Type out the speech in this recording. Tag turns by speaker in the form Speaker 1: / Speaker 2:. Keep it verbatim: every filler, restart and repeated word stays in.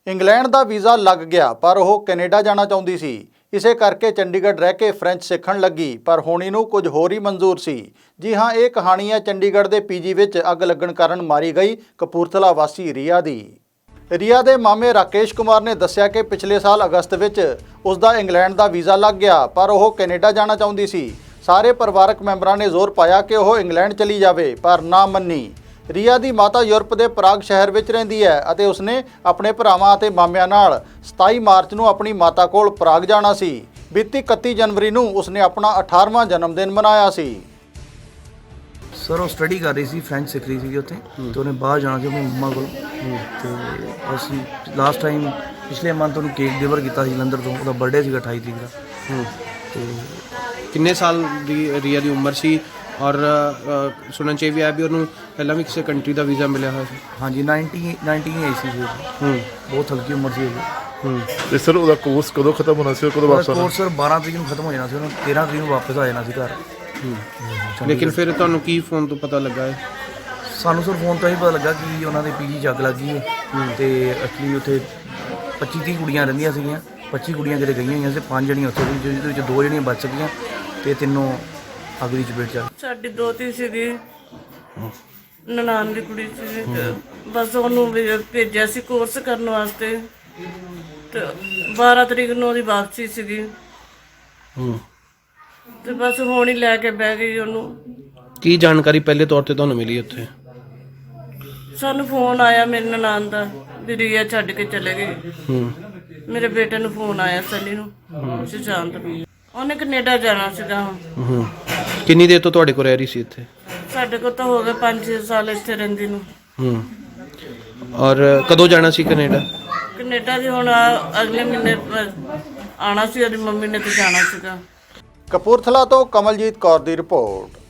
Speaker 1: England ਦਾ visa ਲੱਗ ਗਿਆ ਪਰ ਉਹ ਕੈਨੇਡਾ ਜਾਣਾ ਚਾਹੁੰਦੀ ਸੀ। ਇਸੇ ਕਰਕੇ ਚੰਡੀਗੜ੍ਹ ਰਹਿ ਕੇ ਫ੍ਰੈਂਚ ਸਿੱਖਣ ਲੱਗੀ ਪਰ ਹੋਣੀ ਨੂੰ ਕੁਝ ਹੋਰ ਹੀ ਮਨਜ਼ੂਰ ਸੀ। ਜੀ ਹਾਂ, ਇਹ ਕਹਾਣੀ ਹੈ ਚੰਡੀਗੜ੍ਹ ਦੇ ਪੀਜੀ ਵਿੱਚ ਅੱਗ ਲੱਗਣ ਕਾਰਨ ਮਾਰੀ ਗਈ ਕਪੂਰਥਲਾ ਵਾਸੀ ਰੀਆ ਦੀ। ਰੀਆ ਦੇ ਮਾਮੇ ਰਾਕੇਸ਼ ਕੁਮਾਰ ਨੇ ਦੱਸਿਆ ਕਿ ਪਿਛਲੇ ਸਾਲ ਅਗਸਤ ਵਿੱਚ ਉਸ ਦਾ ਇੰਗਲੈਂਡ ਦਾ ਵੀਜ਼ਾ ਲੱਗ ਗਿਆ ਪਰ ਉਹ ਕੈਨੇਡਾ ਜਾਣਾ ਚਾਹੁੰਦੀ ਸੀ। ਸਾਰੇ ਪਰਿਵਾਰਕ ਮੈਂਬਰਾਂ ਨੇ ਜ਼ੋਰ ਪਾਇਆ ਕਿ ਉਹ ਇੰਗਲੈਂਡ ਚਲੀ ਜਾਵੇ ਪਰ ਨਾ ਮੰਨੀ। ਰੀਆ ਦੀ ਮਾਤਾ ਯੂਰਪ ਦੇ ਪ੍ਰਾਗ ਸ਼ਹਿਰ ਵਿੱਚ ਰਹਿੰਦੀ ਹੈ ਅਤੇ ਉਸਨੇ ਆਪਣੇ ਭਰਾਵਾਂ ਅਤੇ ਮਾਮਿਆਂ ਨਾਲ ਸਤਾਈ ਮਾਰਚ ਨੂੰ ਆਪਣੀ ਮਾਤਾ ਕੋਲ ਪ੍ਰਾਗ ਜਾਣਾ ਸੀ। ਬੀਤੀ ਇਕੱਤੀ ਜਨਵਰੀ ਨੂੰ ਉਸਨੇ ਆਪਣਾ ਅਠਾਰਵਾਂ ਜਨਮ ਦਿਨ ਮਨਾਇਆ ਸੀ।
Speaker 2: ਸਰ ਉਹ ਸਟੱਡੀ ਕਰ ਰਹੀ ਸੀ, ਫ੍ਰੈਂਚ ਸਿੱਖ ਰਹੀ ਸੀ ਉੱਥੇ ਤੇ ਉਹਨੇ ਬਾਹਰ ਜਾਣਾ ਸੀ ਆਪਣੀ ਮੰਮਾ ਕੋਲ। ਤੇ ਅਸੀਂ ਲਾਸਟ ਟਾਈਮ ਪਿਛਲੇ ਮੰਥ ਉਹਨੂੰ ਕੇਕ ਡਿਲੀਵਰ ਕੀਤਾ ਸੀ ਜਲੰਧਰ ਤੋਂ। ਉਹਦਾ ਬਰਥਡੇ ਸੀਗਾ ਅਠਾਈ ਤਰੀਕ ਦਾ। ਤੇ
Speaker 3: ਕਿੰਨੇ ਸਾਲ ਦੀ ਰੀਆ ਦੀ ਉਮਰ ਸੀ ਔਰ ਸੁਣਨ 'ਚ ਇਹ ਵੀ ਆਇਆ ਵੀ ਉਹਨੂੰ ਪਹਿਲਾਂ ਵੀ ਕਿਸੇ ਕੰਟਰੀ ਦਾ ਵੀਜ਼ਾ ਮਿਲਿਆ ਹੋਇਆ ਸੀ?
Speaker 2: ਹਾਂਜੀ ਨਾਈਨਟੀ ਨਾਈਨਟੀਨ ਆਈ ਸੀ ਜੀ।
Speaker 3: ਹੂੰ
Speaker 2: ਬਹੁਤ ਹਲਕੀ ਉਮਰ ਸੀ ਉਹਦੀ।
Speaker 3: ਹੂੰ
Speaker 4: ਤੇ ਸਰ ਉਹਦਾ ਕੋਰਸ ਕਦੋਂ ਖਤਮ ਹੋਣਾ ਸੀ, ਕਦੋਂ ਵਾਪਸ ਆਉਣਾ?
Speaker 2: ਕੋਰਸ ਸਰ ਬਾਰਾਂ ਤਰੀਕ ਨੂੰ ਖਤਮ ਹੋ ਜਾਣਾ ਸੀ, ਉਹਨੂੰ ਤੇਰਾਂ ਤਰੀਕ ਨੂੰ ਵਾਪਸ ਆ ਜਾਣਾ ਸੀ ਘਰ।
Speaker 3: ਲੇਕਿਨ ਫਿਰ ਤੁਹਾਨੂੰ ਕੀ ਫੋਨ ਤੋਂ ਪਤਾ ਲੱਗਾ ਹੈ?
Speaker 2: ਸਾਨੂੰ ਸਰ ਫੋਨ ਤੋਂ ਹੀ ਪਤਾ ਲੱਗਾ ਕਿ ਉਹਨਾਂ ਦੇ ਪੀਜੀ 'ਚ ਅੱਗ ਲੱਗ ਗਈ ਹੈ ਤੇ ਐਕਚੁਅਲੀ ਉੱਥੇ ਪੱਚੀ ਤੀਹ ਕੁੜੀਆਂ ਰਹਿੰਦੀਆਂ ਸੀਗੀਆਂ। ਪੱਚੀ ਕੁੜੀਆਂ ਜਿਹੜੇ ਗਈਆਂ ਹੋਈਆਂ ਸੀ, ਪੰਜ ਜਣੀਆਂ ਉੱਥੇ ਸੀ ਜਿਹਦੇ ਵਿੱਚ ਦੋ ਜਣੀਆਂ ਬਚ ਸਕੀਆਂ ਤੇ ਤਿੰਨੋਂ ਅੱਗ ਦੀ ਚਪੇਟ 'ਚ।
Speaker 5: ਸਾਡੀ ਦੋਤੀ ਸੀਗੀ, ਨਨਾਣ ਦੀ ਕੁੜੀ ਸੀ ਤੇ ਬਸ ਉਹਨੂੰ ਵੀ ਭੇਜਿਆ ਸੀ ਕੋਰਸ ਕਰਨ ਵਾਸਤੇ ਤੇ ਬਾਰਾਂ ਤਰੀਕ ਨੂੰ ਉਹਦੀ ਵਾਪਸੀ ਸੀਗੀ।
Speaker 3: ਹੂੰ
Speaker 5: ਤੇ ਬਸ ਹੁਣ ਹੀ ਲੈ ਕੇ ਬਹਿ ਗਈ ਉਹਨੂੰ।
Speaker 3: ਕੀ ਜਾਣਕਾਰੀ ਪਹਿਲੇ ਤੌਰ ਤੇ ਤੁਹਾਨੂੰ ਮਿਲੀ ਉੱਥੇ?
Speaker 5: ਸਾਨੂੰ ਫੋਨ ਆਇਆ ਮੇਰੇ ਨਨਾਣ ਦਾ ਵੀ ਰੀਆ ਛੱਡ ਕੇ ਚਲੇ ਗਈ।
Speaker 3: ਹੂੰ
Speaker 5: ਮੇਰੇ ਬੇਟੇ ਨੂੰ ਫੋਨ ਆਇਆ ਸਨੀ ਨੂੰ, ਸੁਸ਼ਾਂਤ ਨੂੰ। ਉਹਨੇ ਕੈਨੇਡਾ ਜਾਣਾ ਸੀਗਾ।
Speaker 3: ਹੂੰ ਕਿੰਨੀ ਦੇਰ ਤੋਂ ਤੁਹਾਡੇ ਕੋਲ ਰਹਿ ਰਹੀ ਸੀ ਇੱਥੇ?
Speaker 5: ਸਾਡੇ ਕੋਲ ਤਾਂ ਹੋ ਗਏ ਪੰਜ ਛੇ ਸਾਲ ਇੱਥੇ ਰਹਿੰਦੀ ਨੂੰ।
Speaker 3: ਹੂੰ ਔਰ ਕਦੋਂ ਜਾਣਾ ਸੀ ਕੈਨੇਡਾ?
Speaker 5: ਕੈਨੇਡਾ ਦੀ ਹੁਣ ਆ- ਅਗਲੇ ਮਹੀਨੇ ਆਣਾ ਸੀ, ਉਹਦੀ ਮੰਮੀ ਨੇ ਤੇ ਜਾਣਾ ਸੀਗਾ।
Speaker 1: ਕਪੂਰਥਲਾ ਤੋਂ ਕਮਲਜੀਤ ਕੌਰ ਦੀ ਰਿਪੋਰਟ।